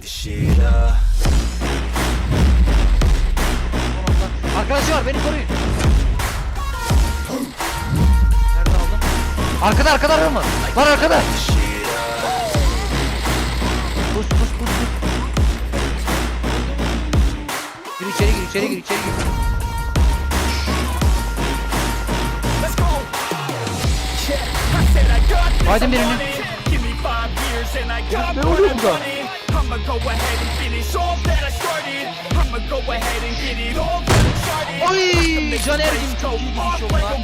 Arkadaşlar beni koruyun. Nerede aldım? Arkada var mı? Var arkada. Pus. Gir içeri gir. Haydi birini. Ne oluyor burada? Oy! Caner'cim çok iyi gidiş oldu lan.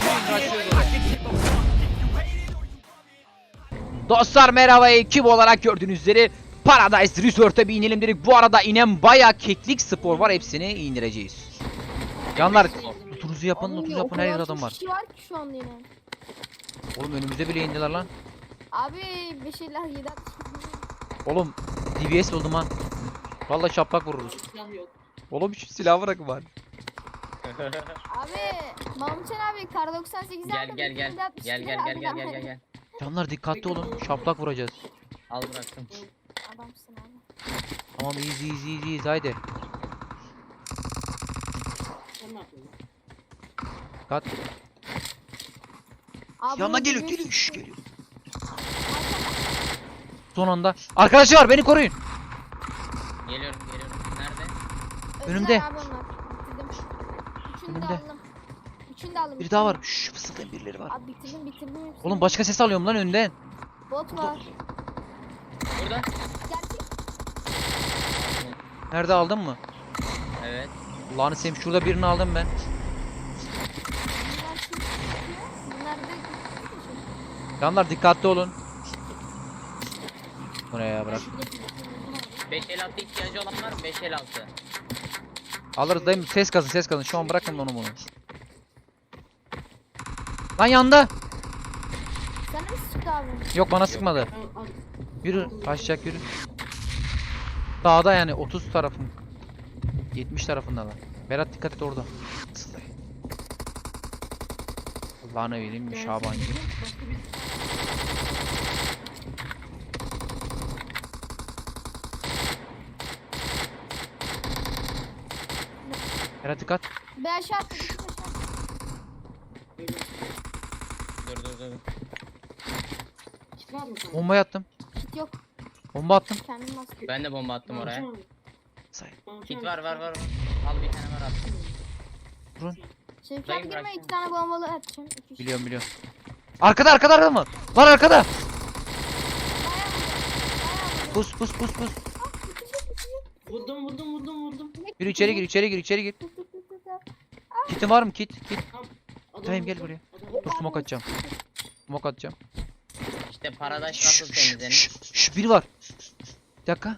Dostlar merhaba, ekip olarak gördüğünüz üzere Paradise Resort'a bir inelim dedik. Bu arada inen bayağı keklik spor var, hepsini indireceğiz. Canlar lootunuzu yapın, her yerde adam var. Kişi var ki şu an yine. Oğlum önümüze bile indiler lan. Abi bir şeyler 7 Oğlum DBS buldum ha. Vallahi şaplak vururuz. Oğlum şu silah bırakın var. Abi Mahmutcan abi kar 98 Gel. Canlar dikkatli olun, şaplak vuracağız. Al bıraktım. Adamsın abi. Tamam easy haydi. Kat. Abi Yanına bunu geliyor biliyorsun. şş, geliyor. Son anda. Arkadaşlar beni koruyun. Geliyorum. Nerede? Önümde. Abi onlar. Bitirdim. Üçünü Önümde. de aldım. Üçünü de aldım. Bir daha var. Şşş fısıldayan birileri var. Abi bitirdim hepsini. Oğlum başka ses alıyorum lan önden. Bot var. Burada. Gerçek. Nerede aldın mı? Evet. Allah'ını seveyim, şurada birini aldım ben. Bunlar kim? Bunlar da Canlar dikkatli olun. Buraya bırak. 556 ihtiyacı olan var mı? 556. Alırız dayım, ses kazın. Şu an bırakın onu bunu. Lan yanında. sana mı sıktı abi? Yok bana sıkmadı. Yürü kaçacak yürü. Dağda yani 30 tarafım. 70 tarafında lan. Berat dikkat et orada. Sılay. Allah'ını vereyim Şaban gibi. Berat dikkat. Bir aşağı attım. Dur. Bomba attım. Kit yok. Bomba attım. Kendim bastım. Ben de bomba attım oraya. Say. Kit var. Al bir tane var attım. Durun. Şimdi Dayım fiyat girme bıraksana. 2 tane bombalı atacağım. 2 Biliyorum. Arkada mı? Var arkada. Pus. Vurdum. Yürü içeri gir. Kitin var mı kit? Tamam gel buraya. Dur smoke atacağım. İşte Paradise nasıl temizlenir? Şş, biri var. Bir dakika.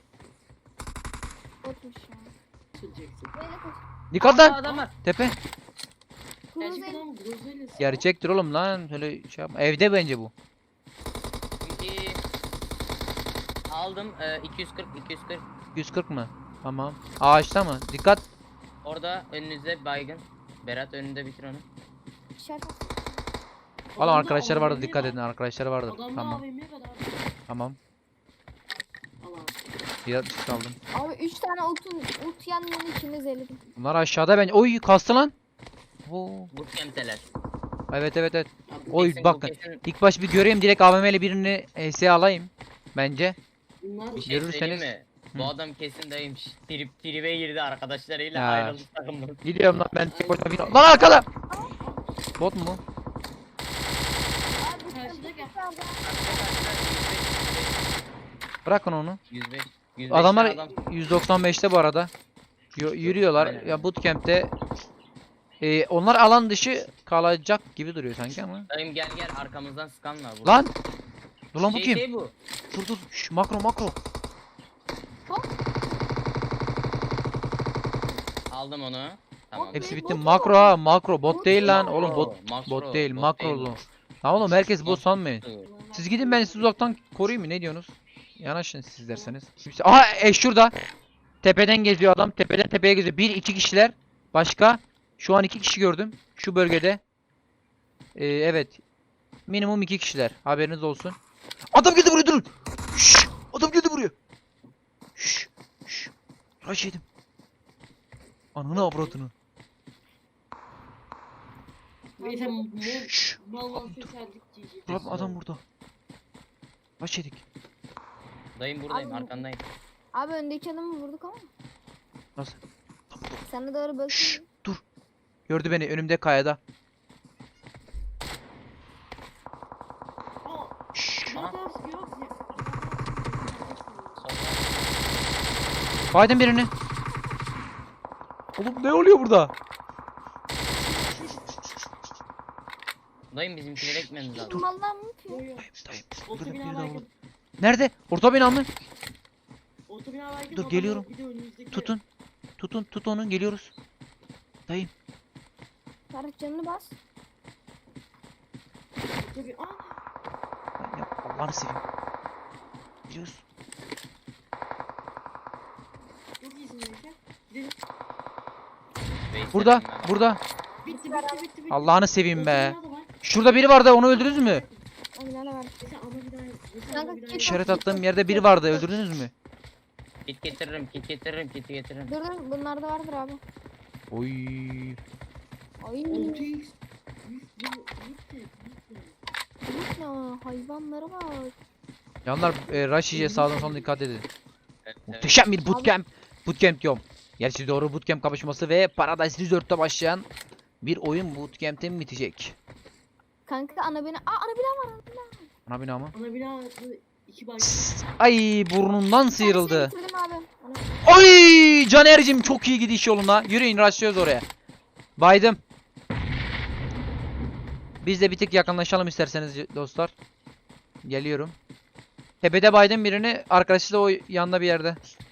Botmuş ya. Böyle koş. Dikkat Aa, lan. adam var. Tepe. Kırmızı el. Gerçektir oğlum lan. Öyle şey yapma. Evde bence bu. İki. Aldım 240. 140 mı? Tamam. Ağaçta mı? Dikkat. Orada önünüzde baygın. Berat önünde bitir onu. İşaret at. Oğlum arkadaşlar vardı, dikkat edin, arkadaşlar vardı. Tamam. Bir aldım. Abi 3 tane ult yanının içinde zehirledim. Bunlar aşağıda ben. Oy kastı lan. Oo. Bootcamp'teler. Evet. Oy Kesin bu bakın. kesin- İlk baş bir göreyim, direkt AVM ile birini ES'ye alayım. Bence. Bir şey Görürseniz- söyleyeyim mi? Hı. Bu adam kesin dayıymış. Tribe girdi arkadaşlarıyla Ya. ayrıldı takımdan. Gidiyorum lan ben tek başıma bir... Lan arkada! Bot mu? Abi Karşıda Bırakın onu. 105. Adamlar adam. 195'te bu arada. Yürüyorlar. Aynen. Ya bootcamp'te. Onlar alan dışı kalacak gibi duruyor sanki ama. Dayım gel arkamızdan skan var. Lan! Dur lan bu kim? Şey bu. Dur. Şş, makro. Aldım onu. Tamam. Hepsi Bot bitti. mu? Makro ha, makro. Bot değil lan. Makro, Oğlum bot makro, değil, bot makro. değil. Tamam oğlum, herkes bot sanmayın. Dur. Siz gidin, ben sizi uzaktan koruyayım mı? Ne diyorsunuz? Yanaşın siz derseniz. Aha şurada. Tepeden geziyor adam. Tepeden tepeye geziyor. 1-2 kişiler. Başka? Şu an 2 kişi gördüm. Şu bölgede. Evet. Minimum 2 kişiler. Haberiniz olsun. Adam geldi buraya, durun. Şşş. Adam geldi buraya. Şşş. Rush yedim. Ananı avradını. Neyse Şşş. mal Dur. seçerdik GG. Dur abi, adam burada. Rush yedik. Dayım buradayım, Abi- arkandayım. Abi öndeki adamı vurduk ama. Nasıl? Sana doğru Şşş, bakıyorum. dur. Gördü beni önümde kayada. Aa, Şşş. ne kadar sıkıyor? Solda. Biden birini. Oğlum ne oluyor burada? Dayım bizimkilere gitmemiz lazım. Mallar mı yapıyor? Yo yo. Dayım. Orta Burada bina biri daha var. baygın. Nerede? Orta bina mı? Orta bina baygın. Dur, adam geliyorum. bir de önümüzdeki- Tutun. Tut onu, geliyoruz. Dayım. Ferhat canını bas. Orta bina- Aa, Lan ya Allah'ını seveyim. Biliyoruz. çok iyisin Melike. Gidelim. Veysel Burada, dayım ben. burada. Bitti. Allah'ını seveyim Orta be. bina da var. Şurada biri vardı, onu öldürdünüz mü? O binada var. Mesela ana binaya- mesela Kanka, ana binaya- git İşaret attığım yerde biri vardı, öldürdünüz mü? Kit getiririm, kit getiririm, kit getiririm. Dur dur bunlarda vardır abi. Oy. Ay. 6x. Bitti. Büyük ne hayvanlara bak. Yanlar rush yiyeceğiz, sağdan soldan dikkat edin. Evet, evet. Muhteşem bir bootcamp. Bootcamp diyorum. Gerçi doğru, bootcamp kapışması ve Paradise Resort'ta başlayan bir oyun bootcamp'te bitecek. Kanka ana bina. Aa ana bina var. Ana bina mı? Ana bina 2 baygın. Ay, burnundan sıyrıldı. Ben seni bitirdim abi. Ana- Oy, Caner'cim çok iyi gidiş yoluna. Yürüyün, rushlıyoruz oraya. Baydım. Biz de bir tık yakınlaşalım isterseniz dostlar. Geliyorum. Tepede baydım birini. Arkadaşı da o yanda bir yerde.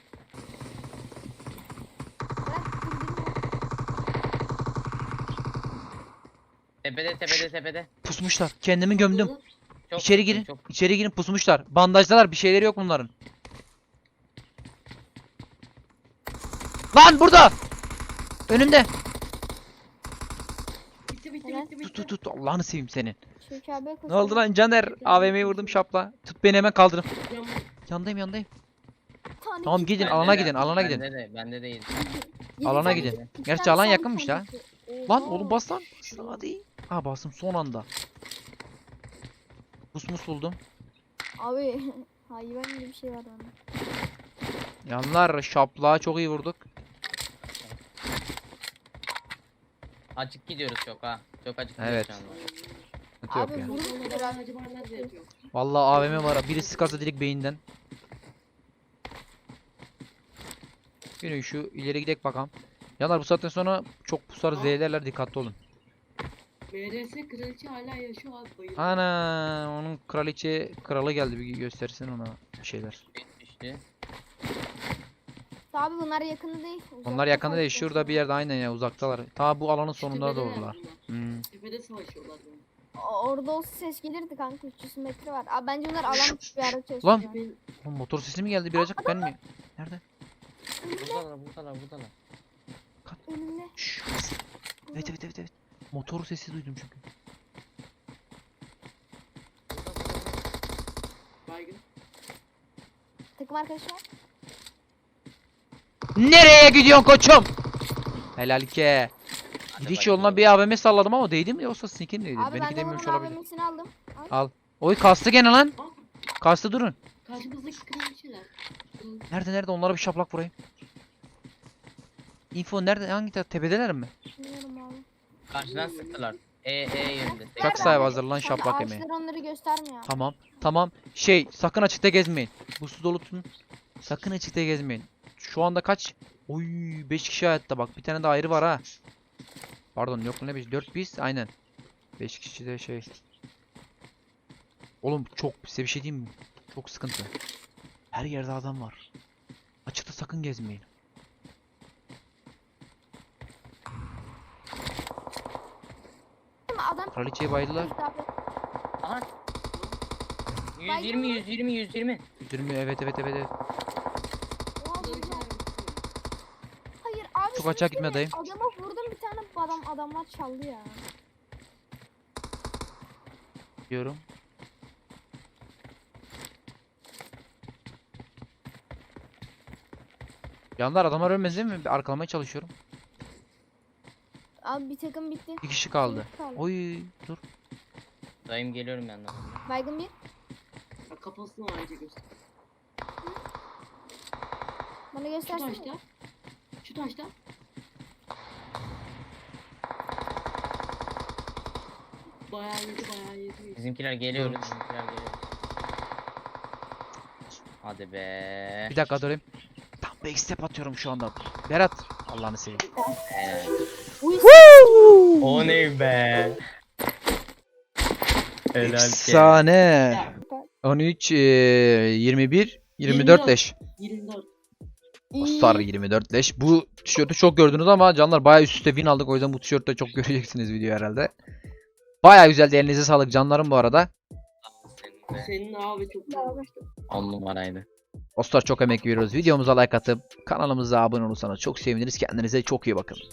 Tepede. Pusmuşlar. Kendimi gömdüm. Çok İçeri girin. Çok. İçeri girin, pusmuşlar. Bandajdalar. Bir şeyleri yok bunların. Lan burada. Önümde. Bitti. Tut. Allah'ını seveyim senin. Şevki abiye Ne oldu lan Caner? AVM'yi vurdum şapla. Tut beni, hemen kaldırın. Yandayım. Tamam, gidin, Bende alana de, gidin, alana gidin. Bende değil. Alana gidin. Gerçi alan yakınmış ha. Lan oğlum bas lan. Hadi. Ha, bastım son anda. Pusmus buldum. Abi hayvan gibi bir şey var bende. Yanlar şapla çok iyi vurduk. Açık gidiyoruz çok ha. Çok açık gidiyoruz Evet. şu anda. Sıkıntı yok Abi ya. vurun biraz. Vallahi AVM var. Biri sıkarsa direkt beyinden. Yine şu ileri gidek bakalım. Yanlar bu saatten sonra çok pusar, zehirlerler, dikkatli olun. MRS kraliçe hala yaşıyor abi, bayıldı. Ana, onun kralı geldi, bir göstersin ona bir şeyler. Düştü. Abi bunlar yakında değil. Onlar uzakta yakında değil, kalıyor. şurada bir yerde, aynen ya, uzaktalar. Ta bu alanın Şu sonunda tepedeler doğrular. bunlar. Hmm. Tepede savaşıyorlar böyle. Orada olsa ses gelirdi kanka 300 metre var. Abi bence bunlar alan bir yerde çalışıyor. Lan! Tepe- Oğlum motor sesi mi geldi birazcık, ben mi? Nerede? Buradalar. Önümde. Şşş. Evet. Motor sesi duydum çünkü. Baygın. Takım arkadaşı var. Nereye gidiyorsun koçum? Helal ki. Hadi Gidiş bakayım. yoluna bir AVM salladım ama değdi mi, yoksa sneak'in mi değdi? Abi ben Benimki de değmemiş bunun olabilir. AVM'sini aldım. Al. Al. Oy, kastı gene lan. Aa, Kastı, durun. karşımızdaki kraliçeler. Nerede? Onlara bir şaplak vurayım. Info nerede? Hangi taraf? Tepedeler mi? Bilmiyorum abi. Karşıdan sıktılar. Yönünde. Uçak sahibi hazırlan, Kanka şaplak yemeği. ağaçlar onları göstermiyor. Tamam. Şey, sakın açıkta gezmeyin. Buslu dolu tutun. Sakın açıkta gezmeyin. Şu anda kaç? Oy, 5 kişi hayatta, bak bir tane de ayrı var ha. Pardon, yok ne 5, 4 biz, aynen. 5 kişi de şey. Oğlum çok, size bir şey diyeyim mi? Çok sıkıntı. Her yerde adam var. Açıkta sakın gezmeyin. Adam Kraliçeyi baydılar. Aha. 120. Üzülmüyor, evet. Oha, Kraliçeler bitti. hayır abi. Çok şimdi açığa gitme dayım. Adama vurdum bir tane adamlar çaldı ya. Diyorum. Yanlar adamlar ölmez değil mi? Bir arkalamaya çalışıyorum. Abi bir takım bitti. Bir kişi kaldı. Bir kaldı. Oy dur. Dayım geliyorum yanına. Baygın bir. Ya kafasını ayrıca göster. Bana Şu göstersene. taşta. Şu taşta. Bayağı yedi. Bizimkiler geliyoruz. Bizimkiler geliyoruz. Hadi be. Bir dakika durayım. Tam backstep atıyorum şu anda. Berat. Allah'ını seveyim. Evet. Uy, O ne be? Helal ki. Efsane. 13, 21, 24 leş. 24. Star 24 leş. Bu tişörtü çok gördünüz ama canlar bayağı üst üste win aldık. O yüzden bu tişörtte çok göreceksiniz video herhalde. Bayağı güzeldi. Elinize sağlık canlarım bu arada. Senin de Senin abi çok güzel olmuştu. 10 numaraydı. Dostlar çok emek veriyoruz. Videomuza like atıp kanalımıza abone olursanız çok seviniriz. Kendinize çok iyi bakın.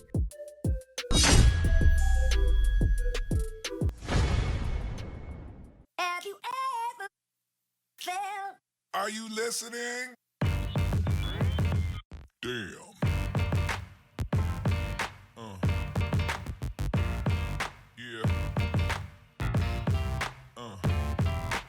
Have you ever felt? Are you listening? Damn.